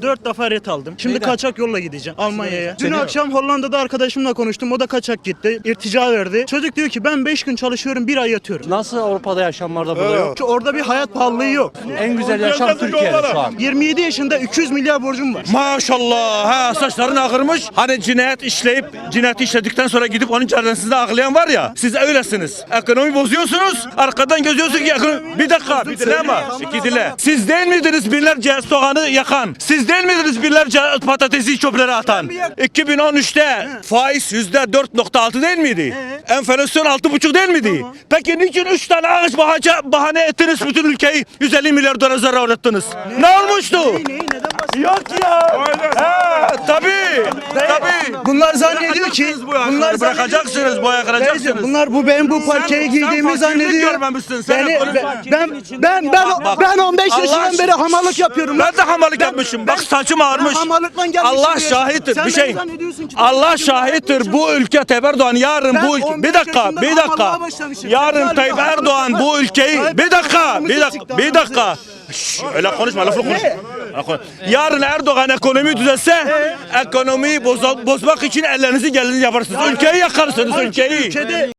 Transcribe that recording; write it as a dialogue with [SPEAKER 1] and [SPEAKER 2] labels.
[SPEAKER 1] 4 defa ret aldım. Şimdi
[SPEAKER 2] Neyden?
[SPEAKER 1] kaçak yolla gideceğim Almanya'ya. Dün
[SPEAKER 2] Seni-
[SPEAKER 1] akşam Hollanda'da arkadaşımla konuştum. O da kaçak gitti. İrtica verdi. Çocuk diyor ki ben 5 gün çalışıyorum, 1 ay yatıyorum.
[SPEAKER 2] Nasıl Avrupa'da yaşamlarda burada yok?
[SPEAKER 1] Çünkü orada bir hayat pahalılığı yok.
[SPEAKER 2] En güzel yaşam Türkiye'de şu an.
[SPEAKER 1] 27 yaşında 200 milyar borcum var.
[SPEAKER 3] Maşallah ha saçların ağırmış. Hani cinayet işleyip cinayeti işledikten sonra gidip onun cezaevinde ağlayan var ya. Siz öylesiniz. Ekonomi bozuyorsunuz. Arkadan gözüyorsunuz ki bir dakika bir dinle ama. İki dinle. Siz değil miydiniz binlerce soğanı yakan? Siz değil miydiniz binlerce patatesi çöplere atan? 2013'te faiz %4.6 değil miydi? Enflasyon 6.5 değil miydi? Peki niçin 3 tane ağaç bahane ettiniz bütün ülkeyi 150 milyar dolar zarar uğrattınız? Ne olmuştu? Yok ya. Tabii.
[SPEAKER 1] Bunlar zannediyor ki bunlar
[SPEAKER 3] Bırakacaksınız, boya kıracaksınız.
[SPEAKER 1] bunlar bu parçayı giydiğimi zannediyor. Ben 15 yaşından beri hamallık yapıyorum.
[SPEAKER 3] Ben de hamallık yapmışım. Bak saçım ağarmış.
[SPEAKER 1] hamallıkla gelmişim.
[SPEAKER 3] Allah şahittir.
[SPEAKER 1] Sen
[SPEAKER 3] Bir şey.
[SPEAKER 1] beni zannediyorsun ki-
[SPEAKER 3] Allah şahittir. Bu ülke Tayyip Erdoğan yarın
[SPEAKER 1] Ben
[SPEAKER 3] bu ülke.
[SPEAKER 1] 15
[SPEAKER 3] Bir dakika.
[SPEAKER 1] yaşında hamallığa başlamışım.
[SPEAKER 3] Yarın
[SPEAKER 1] Ben
[SPEAKER 3] Tayyip
[SPEAKER 1] hamallık
[SPEAKER 3] Erdoğan bu ülkeyi.
[SPEAKER 1] Tayyip
[SPEAKER 3] Bir dakika.
[SPEAKER 1] Erdoğan
[SPEAKER 3] Bir dakika. Şşş, öyle konuşma, laflı konuş. Yarın Erdoğan ekonomiyi düzelse, ekonomiyi bozmak için ellerinizi gelinizi yaparsınız. Ülkeyi yakarsınız, ülkeyi.